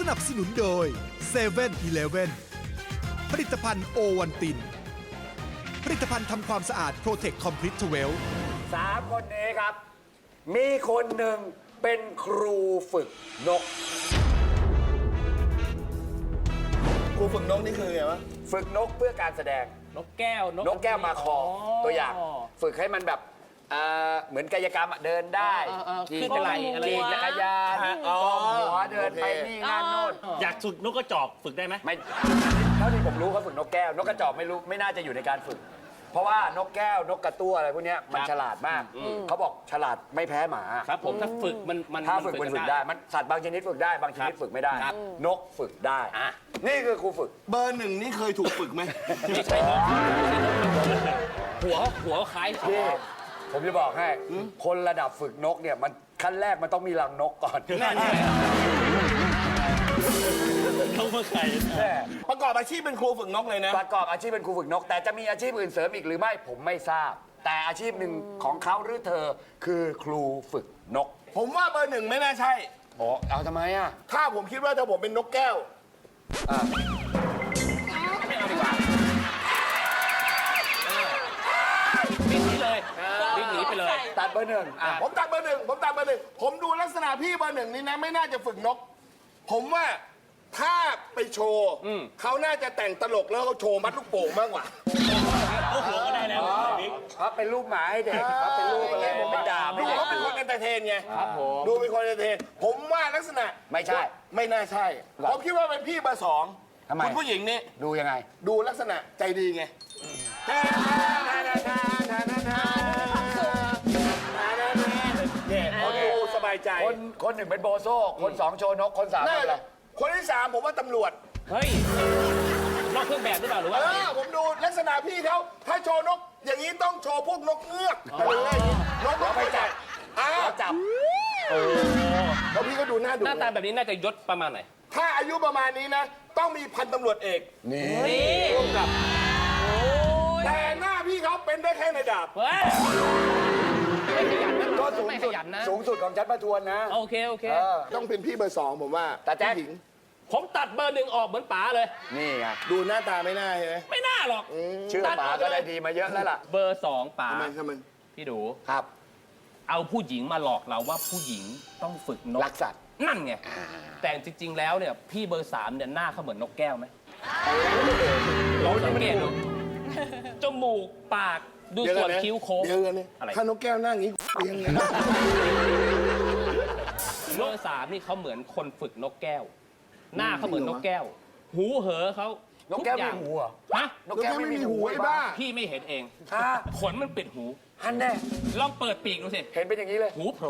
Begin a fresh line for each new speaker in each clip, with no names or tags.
สนับสนุนโดย7 e เ e ่ e อผลิตภัณฑ์โอวันตินผลิตภัณฑ์ทำความสะอาด Protect Complete 12
3 คนนี้ครับ มีคนหนึ่งเป็นครูฝึกนก
ครูฝึกนกนี่คือไงวะ
ฝึกนกเพื่อการแสดง
นกแก้วน
กแก้วมาคอตัวอย่าง ฝึกให้มันแบบเหมือนกายกรรมเดินได้
ขึ้นกระไรอะไร
ขี่จักรยานก้มหัวเดินไปนี่งานโน่น
อยากฝึกนกกระจอกฝึกได้ไหม
ไม่เท่าที่ผมรู้เขาฝึกนกแก้วนกกระจอกไม่รู้ไม่น่าจะอยู่ในการฝึก เพราะว่านกแก้วนกกระตั้วอะไรพวกเนี้ยมันฉลาดมากเขาบอกฉลาดไม่แพ้หมา
ครับผมถ้าฝึกมัน
ถ้าฝึกมันฝึกได้มันสัตว์บางชนิดฝึกได้บางชนิดฝึกไม่ได้ นกฝึกได้นี่คือครูฝึก
เบอร์หนึ่งนี่เคยถูกฝึกไหม
ไม่ใช่นกหัวคล้าย
พี่ผมจะบอกให้คนระดับฝึกนกเนี่ยมันขั้นแรกมันต้องมีรังนกก่อน
เขาเมื่อใคร
ประกอบอาชีพเป็นครูฝึกนกเลยนะ
ประกอบอาชีพเป็นครูฝึกนก แต่จะมีอาชีพอื่นเสริมอีกหรือไม่ผมไม่ทราบ แต่อาชีพหนึ่งของเขาหรือเธอคือครูฝึกนก
ผมว่าเบอร์หนึ่งไม่น่าใช่
อ๋อเอาทำไมอ่ะ
ถ้าผมคิดว่าถ้าผมเป็นนกแก้ว
วิ่งหนีเลยวิ่งหนีไปเลย
ตัดเบอร์หนึ่ง
ผมตัดเบอร์หนึ่งผมดูลักษณะพี่เบอร์หนึ่งนี่นะไม่น่าจะฝึกนก ผมว่าถ้าไปโชว์เขาน่าจะแต่งตลกแล้วเขาโชว์มัดลูกโป่งมากกว่า
โอ้โหก็ได้แล้ว
เขาเป็นรูปหมาให้เด็กเขาเป็นรูปอะไรผมเป็นดาบ
ดู
ให้เด็ก
เขาเป็นคนเอนเตอร์เทนไง
ครับผม
ดูเป็นคนเอนเตอร์เทน ผมว่าลักษณะ
ไม่ใช่
ไม่น่าใช่
หรอ
ผมคิดว่าเป็นพี่เบอร์สอง
ทำไม
คุณผู้หญิงนี่
ดูยังไง
ดูลักษณะใจดีไงเขาดูสบายใจ
คนหนึ่งเป็นโบโซ่คนสองโชว์นกคนสาม
น่า
เป็นอะไร
คนที่สามผมว่าตำรวจ
เฮ้ยนอกเครื่องแบบหรือเปล่าหรือว่า
ผมดูลักษณะพี่เขาถ้าโชว์นก อย่างนี้ต้องโชว์พวกนกเงือกอะไรอย่างงี้นก
เราไปจับ เราจับ
แล้วพี่ก็ดูหน้าดู
หน้าตาแบบนี้น่าจะยศประมาณไหน
ถ้าอายุประมาณนี้นะ ต้องมีพันตำรวจเอก
นี่
ร่วมกับแต่หน้าพี่เขาเป็นได้แค่ในดาบ
เฮ้ยไม่ขยันนะ
ก็สูง
ไม่ข
สุด
ยันนะ
สูงสุดของชั้นประทวนนะ
โอเคโอเค
ต้องเป็นพี่เบอร์สองผมว่า
แต่แจ๊ค
ผู้หญิง
ผมตัดเบอร์หนึ่งออกเหมือนป๋าเลย
นี่ไง
ดูหน้าตาไม่น่าใช่ไหม
ไม่น่าหรอก
ชื่อป๋าก็ได้ดีมาเยอะแล้วล่ะ
เบอร์สองป๋า
ทำไม
พี่ดู
ครับ
เอาผู้หญิงมาหลอกเราว่าผู้หญิงต้องฝึกนก
รักสัตว์
นั่นไงแต่จริง ๆ แล้วเนี่ยพี่เบอร์สามเนี่ยหน้าเขาเหมือนนกแก้วไหมลองสังเกตดูจมูกปากดูส่วนคิ้วโค้ง
เดี๋ยวกันนี่
อะไร
ถ้านกแก้วนั่งอย่างนี้เลี้ยงไง
เบอร์สามนี่เขาเหมือนคนฝึกนกแก้ว หน้าเขาเหมือนนกแก้ว หูเหอเขา
นกแก้ว
ทุอย่า
มี
ง
หูเหรอ
ฮะ
นกแก้วไม่มีหู
ไอ้บ้า
พี่ไม่เห็นเอง
ฮะ
ขนมันปิดหู
ฮันแน่
ลองเปิดปีกดูสิ
เห็นเป็นอย่างนี้เลย
หูโผล่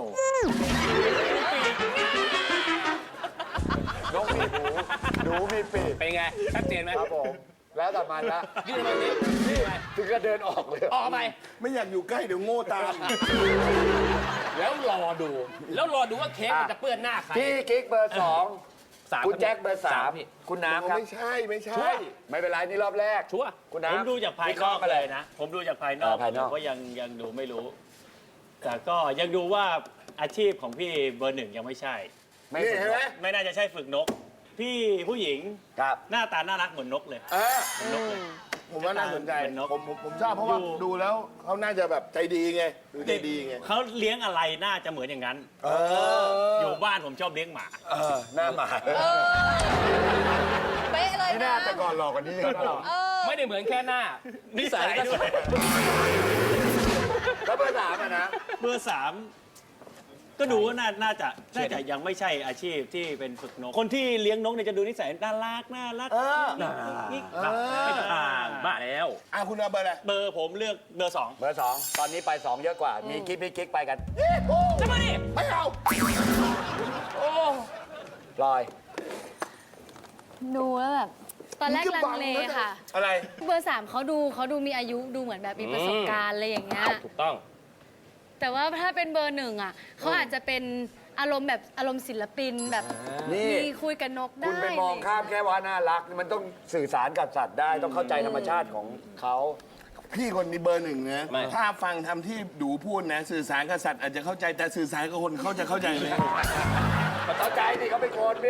นกมีหูหนูมีปีก
เป็นไงชัดเจนไหม
ครับผม แล้วแต่มันละ
ยื่นมาดิยื่นไป
ถึงก็เดินออกเลย
ออกไป
ไม่อยากอยู่ใกล้เดี๋ยวโง่ตาม
แล้วรอดู แล้วรอดูว่าเค้กมันจะเปื้อนหน้าใคร
พี่กิ๊กเบอร์สอง
สาม
คุณแจ็คเบอร์สาม
พี่
คุณน้ำครับ
ไม่ใช่ไม่ใช่
ไม่เป็นไรนี่รอบแรก
ชัวร์
คุณ
ผม
น้ำ
ดูจากภาย
วิ
น
เค
อ
ราะ
ก
ห์มาเล
เลย ยนะ ผมดูจากภายนอก
ภายนอก
ผมก็ยังดูไม่รู้ แต่ก็ยังดูว่าอาชีพของพี่เบอร์หนึ่งยังไม่ใช่
ไม่
นี่
ฝึก
เห็นไหม
ไม่น่าจะใช่ฝึกนก พี่ผู้หญิง
ครับ
หน้าตาน่ารักเหมือนนกเลย
เออ
เหมือนนกเลย
ผมว่าน่าสนใจ
เป็นนก
ผมชอบเพราะว่า
ดู
ดูแล้วเขาน่าจะแบบใจดีไงดูใจดีไง
เขาเลี้ยงอะไรน่าจะเหมือนอย่างนั้น อยู่บ้านผมชอบเลี้ยงหมา
หน้าหมา
เป๊ะเลย
ไม่
นะ
น่าแต่ก่อนหลอกกว่านี้เยอะนะเรา
ไม่ได้เหมือนแค่หน้า นิสัยก็
ด้วย
แล้วเบอร์สามอะนะ
เบอร์สามก็ดูว่าน่าจะยังไม่ใช่อาชีพที่เป็นฝึกนก คนที่เลี้ยงนกเนี่ยจะดูนิสัยน่ารักกิ๊ก
ไม่ต่างบ้าแล้ว
คุณเอาเบอร์อะไร
เบอร์ผมเลือกเบอร์สอง
เบอร์สองตอนนี้ไปสองเยอะกว่า มีกิ๊กพี่กิ๊กไปกัน
จะมาดิ
ไม่เอา
ลอย
ดูแล้วแบบ ตอนแรกลังเลค่ะ
อะไร
เบอร์สามเขาดูมีอายุดูเหมือนแบบมีประสบการณ์อะไรอย่างเงี้ย
ถูกต้อง
แต่ว่าถ้าเป็นเบอร์หนึ่งอ่ะเขาอาจจะเป็นอารมณ์แบบอารมณ์ศิลปินแบบ
นี่
มีคุยกับนกได้
คุณไปมองข้ามแค่ว่าน่ารัก มันต้องสื่อสารกับสัตว์ได้ ต้องเข้าใจธรรมชาติของเขา
พี่คนนี้เบอร์หนึ่งนะ
ไม่
ถ้าฟังทำที่ดูพูดนะ สื่อสารกับสัตว์อาจจะเข้าใจแต่สื่อสารกับคนเขาจะเข้าใจไหม
เข้าใจดิเขาเป็นคนพี่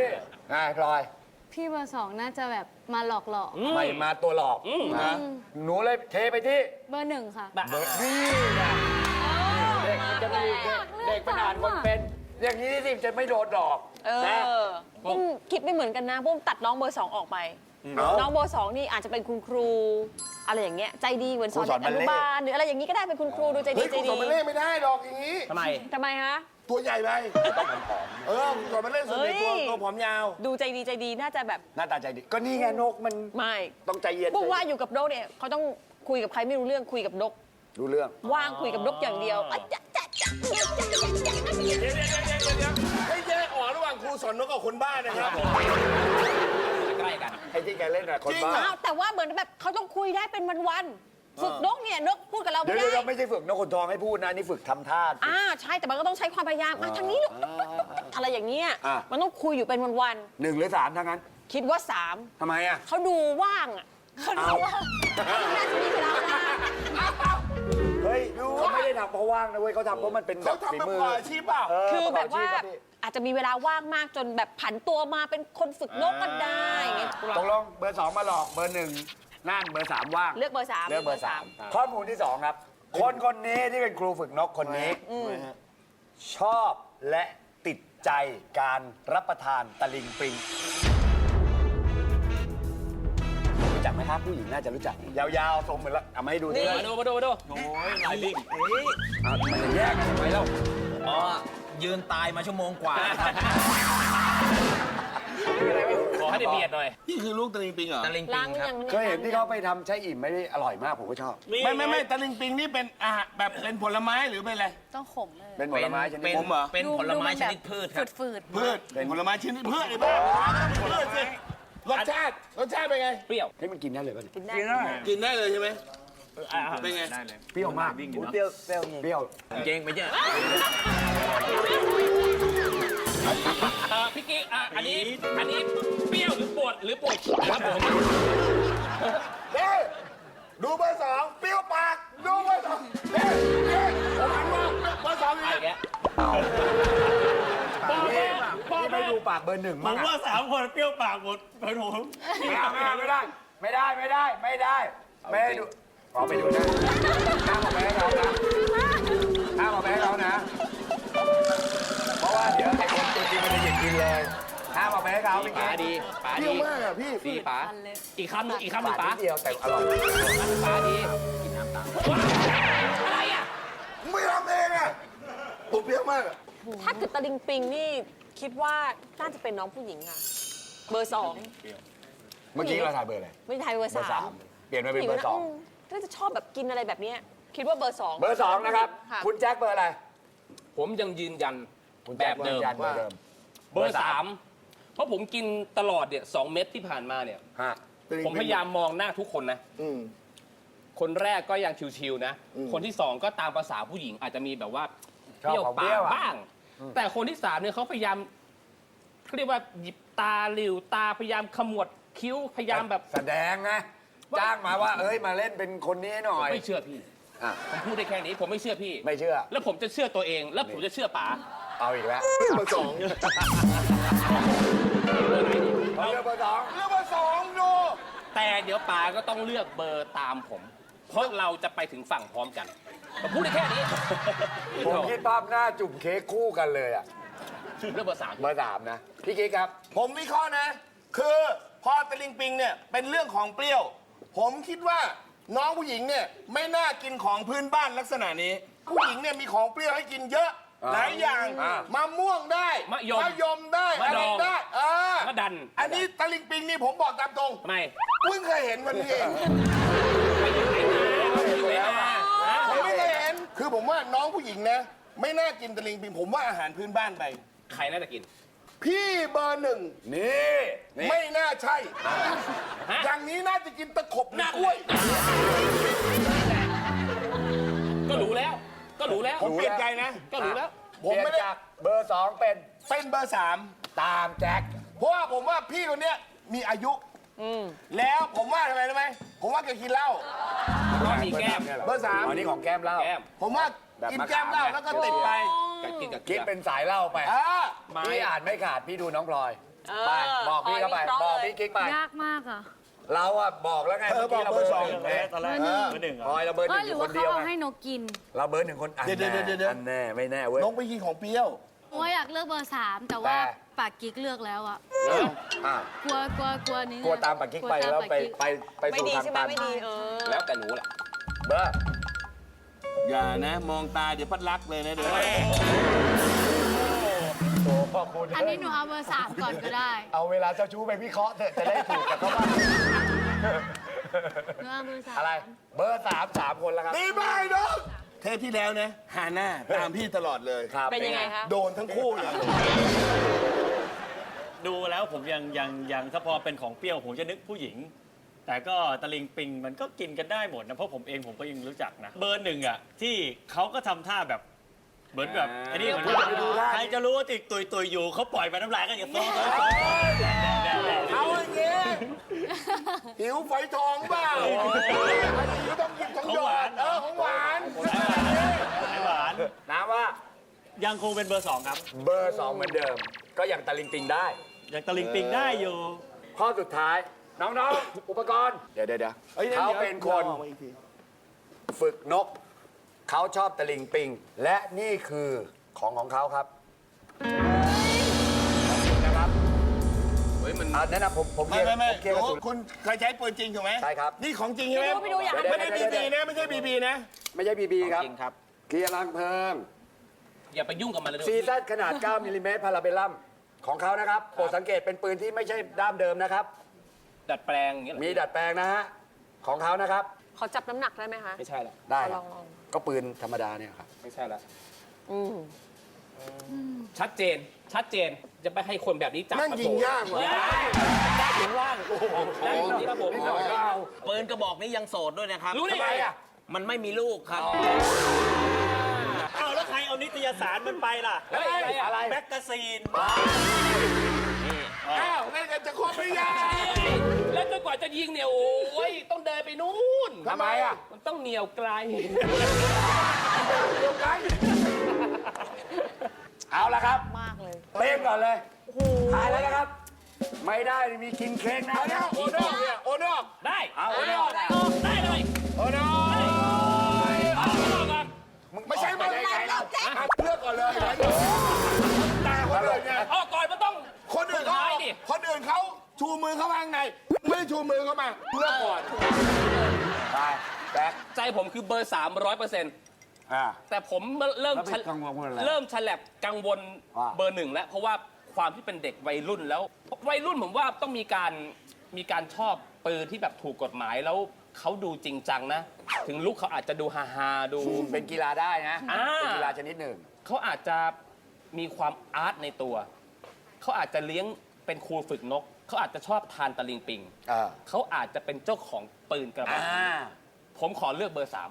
พลอย
พี่เบอร์สองน่าจะแบบมาหลอกหลอก
ไม่มาตัวหลอกนะหนูเลยเทไปที่
เบอร์หนึ่งค่ะ
เบอร์นี่นะเด็กมันจะไม่เด็กมันอ่านคนเป็น อย่างนี้สิจะไม่โดนหลอก
เอ
นะ
อปุ้มคิดไม่เหมือนกันนะปุ้มตัดน้องเบอร์ 2 ออกไป น้องเบอร์ 2 นี่อาจจะเป็นคุณครู อะไรอย่างเงี้ยใจดีเหมือนสอนเด็กอนุบาลหรืออะไรอย่างนี้ก็ได้เป็นคุณครูดูใจดี
เฮ้ย
ใจ
คุณ
ดี
สอนมาเล่นไม่ได้หรอกอย่างนี้
ทำไม
ทำไมฮะ
ตัวใหญ่ไปคุณสอนมาเล่นส่วนใหญ่ตัวผอมยาว
ดูใจดีน่าจะแบบ
หน้าตาใจดี ก็นี่ไงนกมัน
ไม่
ต้องใจเย็น
ปุ้มว่าอยู่กับนกเนี่ยเขาต้องคุยกับใครไม่รู้เรื่องคุยกับนก
รู้เรื่อง
ว่างคุยกับนกอย่างเดียวอ่ะจ๊ะจ๊ะจ๊ะจ๊ะจ๊ะจ๊ะจ๊ะ
เดี๋ยวให้แยกออกระหว่างครูสอนนกกับคนบ้านะครับ
ใกล้กัน
ไอ้ที่แกเล่นอะคน
จริง
บ้า
เหร
อ้าวแต่ว่าเหมือนแบบเขาต้องคุยได้เป็นวันๆฝึกนกเนี่ยนกพูดกับเรา
เดี๋
ไม่
ยว
ได้
เราไม่ใช่ฝึกนกขนทองให้พูดนะนี่ฝึกทำท่า
ใช่แต่มันก็ต้องใช้ความพยายามทางนี้ลูกอะไรอย่างเงี้ย
อ่ะ
มันต้องคุยอยู่เป็นวัน
1 หรือ 3ทั้งนั้น
ๆคิดว่า
ทำไมอะ
3เขาดูว่างอ่ะเขาดูว่างน่าจะมีเวลาว่าง
เฮ้ยเขาไม่ได้ทำเพราะว่างนะเว้ยเขาทำเพราะมันเป็นแบ
เขา
บ
ทำ
ฝี
เป็น
มือ
มืออาชีพเปล่า
คือแบบว่า
ประกอบอาชีพครับพี่
อาจจะมีเวลาว่างมากจนแบบผันตัวมาเป็นคนฝึกนกก็ได้อย่างเงี้ย
ตกลงเบอร์ 2 มาหลอกเบอร์ 1นั่นเบอร์ 3 ว่าง
เลือกเบอร์ 3
เลือกเบอร์ 3 ข้อมูลที่ 2 ครับ คนนี้ที่เป็นครูฝึกนกคนนี้ ชอบและติดใจการรับประทานตะลิงปิง รู้จักไหมครับผู้หญิงน่าจะรู้จัก ยาวๆทรงเหมือนละเอามาให้ดูดิ
มาดู
โอ้ยลายลิง
มันจะแยกกันทำไมเล่า
อ๋อ ยืนตายมาชั่วโมงกว่าครับ
ขอให้ได้เบียดหน่อย
นี่คือลูกตะลิงปิงเหรอ
ตะลิง
ล้า
ปิ
ง
ง
หรือ
ครับ
ยัง
เคยเห็นที่เขาไปทำใช้อิ่มไม่ได้อร่อยมากผมก็ชอบ
ไม่ตะลิงปิงนี่เป็นอาหารแบบเป็นผลไม้หรือเป็นอะไร
ต้องขมเลย
เป็นผลไม้ชนิด
เป็น
ผมเหรอ
เป็นผลไม้ชนิดพืชครับ
ฝืด
พืชเป็นผลไม้ชนิดพืชไอ้บ้าพืชสิรสชาติเป็นไง
เปรี้ยว
นี่มันกินได้เลยป่ะเนี่ย
กินได้
กินได้เลยใช่ไหมเป็นไง
เปรี้ยวมากเปรี้ยวเปรี้ยว
เจงไปเจอ
พี่กิ๊กอันนี้เปรี้ยวหรือปวดครับผม
เด้ดูเบอร์ 2เปรี้ยวปากดูเบอร์ 2เด้ผมหันมาเบอร์ 2
ไอ้
นี่
แก
พี่ไม่ดูปากเบอร์ 1
ผ
มั้ง
มว่า 3 คนเปรี้ยวปากหมดเป็นผม
ไม่ได้ไม่ได้ดูเอาไปดูนะห้ามเอาไปให้เขานะห้ามเอาไปให้เขานะ เพราะว่าเดี๋ยวไอ้คนตัวจริงมันจะหยิบกินเลยห้ามเอาไปให้เขาพี่
ป๋า
เก๋
ดีป๋า
เปรี้
ดี
ยวมากอ่ะพี่
ดีป๋าอีกคำหนึ่ง
ปา
ป๋า
นิดเดียวแต่อร่อย
ป๋าดี
ไม่ทำเองอ่ะผมเปรี้ยวมากอ่ะ
ถ้าเกิดตะลิงปิงนี่คิดว่าน่าจะเป็นน้องผู้หญิงค่ะ เบอร์
เมื่อกี้เราถ่ายเบอร์อะไร
2 ไม่ใช่เบอร์
เบอร์
3
3เปลี่ยนมาเป็นเบอร์ 2
น่าจะชอบแบบกินอะไรแบบเนี้ยคิดว่าเบอร์ 2
เบอร์ 2 นะครับ
ะ
คุณแจ็คเบอร์อะไร
ผมยังยืนยัน
คุณ
แบ
แจ็ค
บเดิม
ยันเบอร์เดิม
เบอร์ 3 เพราะผมกินตลอดเนี่ย2 เม็ดที่ผ่านมาเนี่ย
ฮะ
ผมพยายามมองหน้าทุกคนนะ
อืม
คนแรกก็ยังชิวๆนะ คนที่ 2 ก็ตามภาษาผู้หญิงอาจจะมีแบบว่า
ชอบของ
ปา
เปรี้ยว
ก
อะ
บ้าง แต่คนที่ 3เนี่ยเขาพยายามเขาเรียกว่าหยิบตาหลิวตาพยายามขมวดคิ้วพยายามแบบ
แสดงไงจ้างมาว่าเอ้ยมาเล่นเป็นคนนี้หน่อย
ไม่เชื่อพี่
อ่ะ
ผมพูดได้แค่นี้ผมไม่เชื่อพี่
ไม่เชื่อ
แล้วผมจะเชื่อตัวเอง แล้วผมจะเชื่อป๋า
เอาอีกแล้ว
เบอร์ 2
เขาเลือกเบอร์ 2
เรื่องเบอร์ 2ดู
แต่เดี๋ยวป๋าก็ต้องเลือกเบอร์ตามผม เพราะเราจะไปถึงฝั่งพร้อมกันผมพูดได้แค่นี้
ผมคิดภาพหน้าจุ่มเค้กคู่กันเลยอ่ะ
เลือกเบอร์ 3
เบอร์ 3 นะ พี่กิ๊กครับ
ผมวิเคราะห์นะ คือพอตะลิงปิงเนี่ยเป็นเรื่องของเปรี้ยว ผมคิดว่าน้องผู้หญิงเนี่ยไม่น่ากินของพื้นบ้านลักษณะนี้ ผู้หญิงเนี่ยมีของเปรี้ยวให้กินเยอะ หลายอย่าง
อ่าม
ะม่วงได้
มะยม
ได้
มะ
อะไร
ดอง
ได้
มะดัน
อันนี้ตะลิงปิงนี่ผมบอกตามตรง
ทำไม
เพิ่งเคยเห็นวันนี้เอง
อยู่ไหนมา
ผมไม่เคยเห็น คือผมว่าน้องผู้หญิงนะ ไม่น่ากินตะลิงปิงผมว่าอาหารพื้นบ้านไป
ใครน่าจะกิน
พี่เบอร์ 1
นี่นี่
ไม่น่าใช่
ฮะ
อย่างนี้น่าจะกินตะขบหรือกล้วย
ก็รู้แล้ว
ผมเปลี่ยนใจนะ
ก็รู้แล้ว
ผมไม่ได้
เปลี่ยนจากเบอร์ 2 เป็น
เป็นเบอร์ 3
ตามแจ็ค
เพราะว่าผมว่าพี่คนเนี้ยมีอายุ แล้วผมว่าทำไมรู้ไหม ผมว่าแกกินเหล้า
ก็มีแก้ม
เบอร์
อันนี้ของแก้มเหล้า
แก้ม
3 ผมว่า
แบบ
กิน
มะขาม
แก้มเหล้าแล้วก็ติดไป
กับกินกับ
คิดเป็นสายเหล้าไป
อ่า
พี่อ่านไม่ขาดพี่ดูน้องพลอยไปบอกพี่เข้าไป
ขอวิเคราะห์
บอก
เลย
พี่กิ๊กไป
ยากมากอ่ะ
เราอะบอกแล้วไง
เธอบอก
มื่
เบอร์สอง
หนึ่ง
ตอนแรก
เบอร์หนึ่ง
เบอร์หนึ่งเหร
พล
อ
อยเราเบอร์ห
เอ้
นึ่
ย
ง
ห
อ
รื
ยู่
อ
ค
ว่าน เขา
เดียวไง
เอาให้นกกิน
เราเบอร์หนึ่งคนอัน
เดี๋ยว
แน่
เดี๋ยว
อันแน่ไม่แน่เว้ย
น้องไปกินของเปรี้ยว
โอ้ยอยากเลือกเบอร์ 3 แต่ว่า
แต่
ปากกิ๊กเลือกแล้วอ่ะ
อ่ะ
กลัวนี้
กลัวตามปากกิ๊กไปแล้วไป
ไม่
สู่
ดี
ทาง
ใช่ไหม
ตัน
ไม่ดี
แล้วแต่หนูแหละ
เบอร์
อย่านะ มองตาเดี๋ยวพัดรักเลยนะเดี๋ยว
โอ้พ่อคุณ
อันนี้หนูเอาเบอร์ 3 ก่อนก็ได้
เอาเวลาเจ้าชู้ไปวิเคราะห์เถอะจะได้ถูกกับเขาบ้าง
หนูเอาเบอร์ 3
อะไร เบอร์สามคนแล้วครับ
ดีมากน้องเทปที่แล้วนะฮาน่าตามพี่ตลอดเลย
ครับ
เป็นยังไงคะ
โดนทั้งคู่เลย
ดูแล้วผมยังถ้าพอเป็นของเปรี้ยวผมจะนึกผู้หญิง แต่ก็ตะลิงปิงมันก็กินกันได้หมดนะ เพราะผมเองผมก็ยังรู้จักนะ เบอร์หนึ่งอ่ะที่เขาก็ทำท่าแบบเหมือนแบบอันนี้เหมือนใครจะรู้ว่าติดตุยอยู่เขาปล่อยไปน้ำลายก็อย่างโซ่
เอาอย่างเงี้ยหิวฝอยทองเปล่าหิวต้องกินของหยอดของหวาน
หวาน
น้ำว่า
ยังคงเป็นเบอร์สองครับ
เบอร์สองเหมือนเดิม ก็ยังตะลิงปิงได้
ยังตะลิงปิงได้อยู่
ข้อสุดท้าย น้องๆ อุปกรณ์ เดี๋ยวเขาเป็นคนฝึกนก เขาชอบตะลิงปิง และนี่คือของเขาครับขอบคุณนะครับ
เฮ้ยมัน
แนะนำผมเคลี
ไม่
ยร์ผมเคลียร์กระสุน
คุณเคยใช้ปืนจริงถูกไหม
ใช่ครับ
นี่ของจริงใช่ไหม
ไปดูอยาก
ไม่ได้บีบีนะไม่ใช่บีบีนะ
ไม่ใช่บีบีครับ
จริงครับ
เคลียร์รังเพลิง
อย่าไปยุ่งกับมันเลย
ซีซั่นขนาด 9 มิลลิเมตรพาราเบลลัมของเขานะครับโปรดสังเกตเป็นปืนที่ไม่ใช่ด้ามเดิมนะครับ
ดัดแปลงอย่างเงี้ยเหรอ
มีดัดแปลงนะฮะ ของเขานะครับ
ขอจับน้ำหนักได้ไหมคะ
ไม่ใช่ละ
ได้ค
ล
รั
อบ ง
ก็ปืนธรรมดาเนี่ยครับ
ไม่ใช่ละ
อืม
ชัดเจน ชัดเจน จะไปให้คนแบบนี้จับ
นั่งยิงยากว่ะ
ได้ถึงว่างได้ถึงที่ครับผม
ปืนกระบอกนี้ยังโสดด้วยนะครับ
รู้ได้ไงอ่ะ
มันไม่มีลูกครับ
อ้าวแล้วใครเอานิตยสารมันไปล่ะ
อะไร
แมกกาซีน
อ้าวนั่นกันจะครบหรือยัง
แล้วจนกว่าจะยิงเนี่ยโอ้ยต้องเดินไปนู่น
ทำไมอ่ะ
มันต้องเหนียวไกล
เอาละครับ
มากเลย
เป้งก่อนเลยถ่ายแล้วนะครับ ไม่ได้มีกินเค้กนะ
เอาแล้วโอนอกเนี่ยโอนอก
ได้
เอาโอนอก
ได้เลย
โอนอก
เอาก่อน
ไม่ใช่มันเลือกก่อนเลยตาคนอื่นไง
เอาก่อนมันต้อง
คนอื่นเขา
สุดท้ายดิ
คนอื่นเขาชูมือเข้าข้างในไม่ชูมือเข้ามาเลือกก่อน
ไปแบ็ค
ใจผมคือเบอร์ 300%
อ่า
แต่ผมเริ่ม
แล้วไปกังวลอะไร
เริ่มฉลับกังวล
ว่า
เบอร์ 1 แล้ว เพราะว่าความที่เป็นเด็กวัยรุ่นแล้ว วัยรุ่นผมว่าต้องมีการชอบปืนที่แบบถูกกฎหมายแล้วเขาดูจริงจังนะ ถึงลุกเขาอาจจะดูฮาๆดู
เป็นกีฬาได้นะ
อ่า
เป็นกีฬาชนิดหนึ่ง
เขาอาจจะมีความอาร์ตในตัว เขาอาจจะเลี้ยงเป็นครูฝึกนก เขาอาจจะชอบทานตะลิงปิง
อ่า
เขาอาจจะเป็นเจ้าของปืนกระบอก
อ่า
ผมขอเลือกเบอร์ 3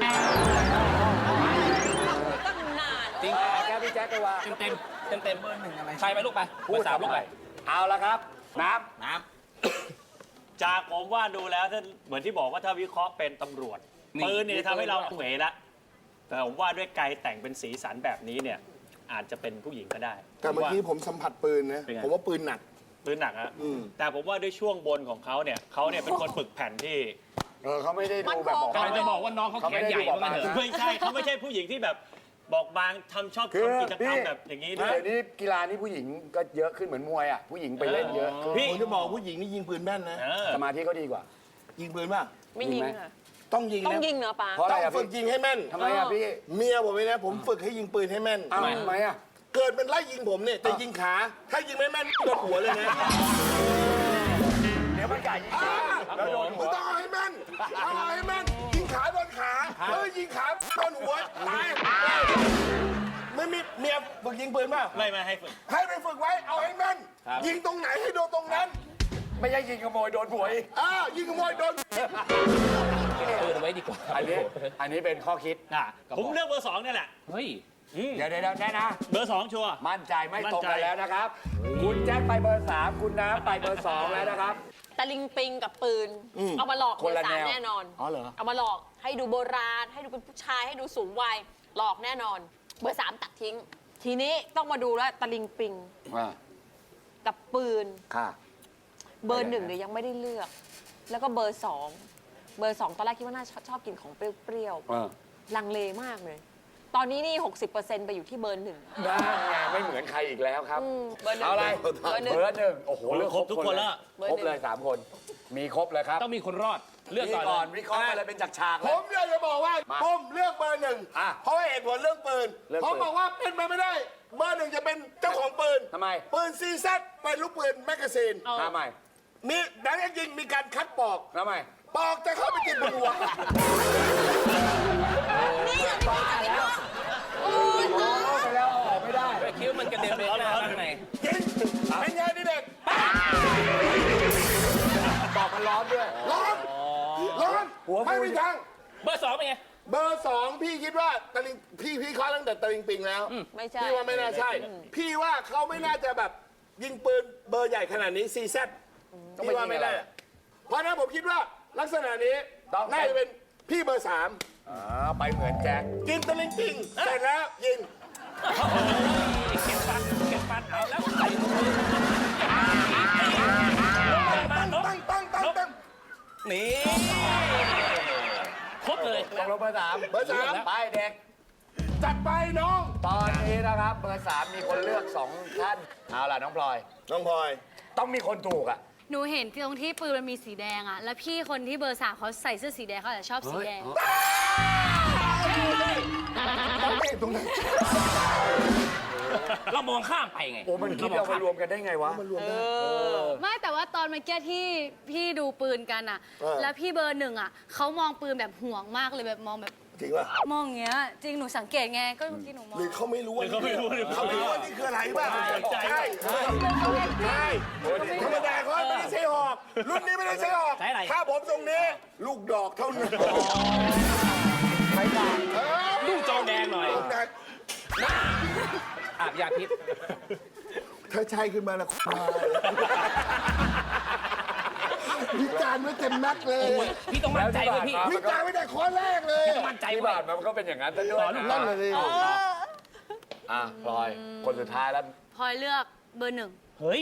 ตั้งนาน
จริง
แก้วพี่แจ๊คไปว่า
เต็มเบอร์ 1อะไรใครไปลูกไปเบ
พู
อ
ด
ร์ 3 ลูกไป
เอาละครับ น้
น้ำ
จากผมว่าดูแล้วถ้าเหมือนที่บอกว่าถ้าวิเคราะห์เป็นตำรวจ
นี่
ปืนเนี่ยทำให้เราเหวละแต่ผมว่าด้วยไกลแต่งเป็นสีสันแบบนี้เนี่ยอาจจะเป็นผู้หญิงก็ได้
แต่เมื่อกี้ผมสัมผัสปืนนะ
เป็นไง
ผมว่าปืนหนัก
ปืนหนักอะแต่ผมว่าด้วยช่วงบนของเขาเนี่ยเป็นคนฝึกแผ่นที่
ำเขาไม่ได้ดูแบบบอก
กำลังจะบอกว่าน้องเขาแขนใหญ่ว่างั้นเถอะ
ไม่ใช่เขาไม่ใช่ผู้หญิงที่แบบบอกบางชอบ
คือ
ทำกิจกรรม
พี่
แบบอย่างนี้ด้วย
เดี๋ยวนี้กีฬานี่ผู้หญิงก็เยอะขึ้นเหมือนมวยอ่ะ ผู้หญิงไปเล่นเยอะขึ้น
พี่
ผมจะบอกผู้หญิงนี่ยิงปืนแม่นนะ
เออ
สมาธิเขาดีกว่า
ยิงปืนป่ะ
ไม่ยิงค่ะ
ต้องยิง
ต้อง
นะ
ยิงเนอะป้า
เพราะอะไร
ต้อง
อ่ะ
ฝึ
พี่
กยิงให้แม่น
ทำไมอ่ะพี่
เมียผมเลยนะ ผมฝึกให้ยิงปืนให้แม่น
อ้าวทำไมอ่ะ
เกิดมันไล่ยิงผมเนี่ยจะยิงขา ถ้ายิงไม่แม่นโดนหัวเลยนะ
เดี๋ยวมันไก่ยิงแล้วโดนหั
มึ
ว
งต้องเอาให้แม่นเอาให้แม่น ยิงขาโดนขายิงขาโดนหัวตายไม่มีเมียฝึกยิงปืนป่ะ
ไม่ให้ฝึก
ให้ไปฝึกไว้ เอาให้แม่น ยิงตรงไหนให้โดนตรงนั้น
ไม่ใช่ยิงขโมยโดนหัวอีก
ยิงขโมยโดน
ปืนเอาไว้ดีกว่า
อันนี้เป็นข้อคิด
ผมเลือกเบอร์สองเนี่ยแหละ
เฮ้ย
เดี๋ยวแน่นะ
เบอร์สองชัวร์
มั่นใจไม่ตรง
มั่น
กัน
ใจ
แล้วนะครับ คุณแจ็คไปเบอร์ 3 คุณน้ำไปเบอร์ 2 แล้วนะครับ
ตะลิงปิงกับปืน เอามาหลอก
ค
เบอน
ละ
ร์สาม
แนว
แน่นอน
อ๋อเหรอ
เอามาหลอกให้ดูโบราณ ให้ดูเป็นผู้ชายให้ดูสูงวัยหลอกแน่นอน เบอร์ 3 ตัดทิ้ง ทีนี้ต้องมาดูแล้วตะลิงปิง
อ่า
ตกับปืน
ค่ะ
เบอร์หนึ่งเนี่ยยังไม่ได้เลือก แล้วก็เบอร์สองตอนแรกคิดว่าน่าชอบกินของเปรี้ยวๆลังเลมากเลย ตอนนี้นี่ 60%ไปอยู่ที่เบอร์หนึ่ง
ได้ไงไม่เหมือนใครอีกแล้วครับ
เบอร์หนึ่ง
เอาอะไร
เบอร์หนึ่ง
เบอร์หนึ่งโอ้โหเลือก
ครบทุกคนแล้ว
ครบเลย3 คน มีครบเลยครับ
ต้องมีคนรอดเลือก
นี่
ก่อน
ก่อน
เลย
วิเคราะห์อะไรเป็นจากฉากๆ
ผ
เลย
มอยากจะบอกว่า
มา
ผมเลือกเบอร์หนึ่ง
อ่ะ
เพราะว่าเหตุผลเรื่องปืน
เรื่องปืน
ผมบอกว่าเป็นไปไม่ได้ เบอร์หนึ่งจะเป็นเจ้าของปืน
ทำไม
ปืนซีซัดเป็นลูกปืนแมกกาซีน
ทำไม
มีดังนั้นจริงมีการคัดปอก
ทำไม
ปอกจะเข้าไปกินบนหัว
ไปแล้วเอาออกไม่ได้
ไปคิ้วมันกระเด็นไปข้างหน้าข้างใน
กินเป็นไงนี่เด็ก
ปอกมันร้อนด้วย
ร้อนร้อน
หัวฟู
ไม่มีทาง
เบอร์ 2 เป็นไง
เบอร์สองพี่คิดว่าตะลิงพี่เคาะตั้งแต่ตะลิงปิงแล้ว
ไม่ใช่
พี่ว่าไม่น่าใช่ พี่ว่าเขาไม่น่าจะแบบยิงปืนเบอร์ใหญ่ขนาดนี้ซีแซดพี่ว่าไม่ได้ เพราะฉะนั้นผมคิดว่าลักษณะนี้
ต้อง
น่าจะเป็นพี่เบอร์สาม
ไปเหมือนแจ็ค
กินตะลิงปิงเสร็จแล้วยิง
เก็บฟันเอาแล้วใส่
ตั้ง
นี่ครบเลย
ตกลงเบอร์ 3
เบอร์สาม
ไปเด็ก
จัดไปน้อง
ตอนนี้นะครับเบอร์ 3 มีคนเลือก 2 ท่าน เอาล่ะน้องพลอย
น้องพลอย
ต้องมีคนถูกอ่ะ
หนูเห็นตรงที่ปืนมันมีสีแดงอะแล้วพี่คนที่เบอร์ 3เขาใส่เสื้อสีแดงเขาอาจจะชอบสีแดง
เรามองข้ามไปไง
โอ้มันคิดเอามารวมกันได้ไงวะ
ไม่แต่ว่าตอนเมื่อกี้ที่พี่ดูปืนกันอะแล้วพี่เบอร์หนึ่งอะเขามองปืนแบบห่วงมากเลยแบบมองแบบ
จริงป่ะ
มองอย่างเงี้ยจริงหนูสังเกตไงก็เมื่อกี้หนูมอง
หรือเขาไม่รู้ว่า
เขาไม่รู้
เขาไม่รู้ว่านี่คืออะไรป่ะ
ใจ
ใช่ธรรมดาเขาไม่ได้ใช้หอกรุ่นนี้ไม่ได้ใช้หอก
ใช้อะไร
ถ้าผมทรงนี้ ลูกดอกเท่านั้น
ดูจอแดงหน่อย
ลูกดอก
อาบยาพิษ
ถ้าใช่ขึ้นมาแล้ววิจารณ์ไว้เต็มนักเลย
พี่ต้องมั่นใจเลยพี่
วิจารณ์ไว้แต่ข้อแรกเลย
ต้องมั่นใจ
ที่
ไว้
บาทมันก็เป็นอย่างนั้นซะด้วย
นั่นเลย
อ่ะพลอย คนสุดท้ายแล้ว
พลอยเลือกเบอร์หนึ่ง
เฮ้ย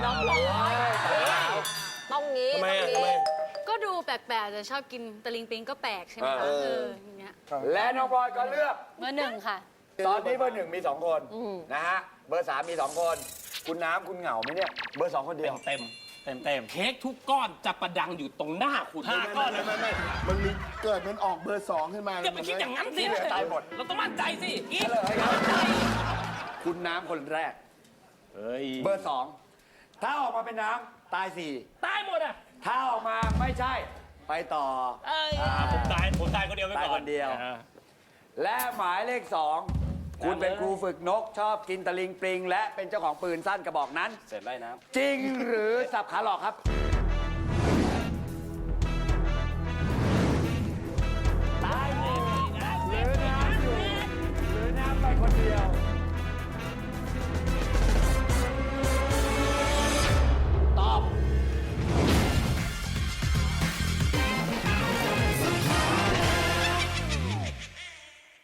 ต้องงี้
ทำไม
ต้อง
ทำไม
งี้
ก็ดูแปลกๆจะชอบกินตะลิงปิงก็แปลกใช่ไหมคะอย่างเงี้ย
และน้องพลอยก็เลือก
เบอร์หนึ่งค่ะ
ตอนนี้เบอร์ 1 มี 2 คนนะฮะ เบอร์ 3 มี 2 คน คุณน้ำคุณเหงาไหมเนี่ย เบอร์ 2 คนเดียว
เต็ม
เต็มเต็ม
เค้กทุกก้อนจะประดังอยู่ตรงหน้าคุณ
5 ก้อนเลย
ไม่มันมีเกิดมันออกเบอร์สองขึ้นมา
อย่าไปคิดอย่างนั้นสิ
เหลือตายหมด
เราต้องมั่นใจสิอีก
คุณน้ำคนแรก
เฮ้ย
เบอร์ 2 ถ้าออกมาเป็นน้ำตาย
ตายหมดอ่ะ
4 ถ้าออกมาไม่ใช่ ไปต่อ
ผมตายคนเดียวไปก่อน
ตายคนเดียว และหมายเลข 2 คุณเป็นครูฝึกนกชอบกินตะลิงปลิง และเป็นเจ้าของปืนสั้นกระบอกนั้น
เสร็จไล่น้
จริงหรือสับขาหลอกครับ
ำ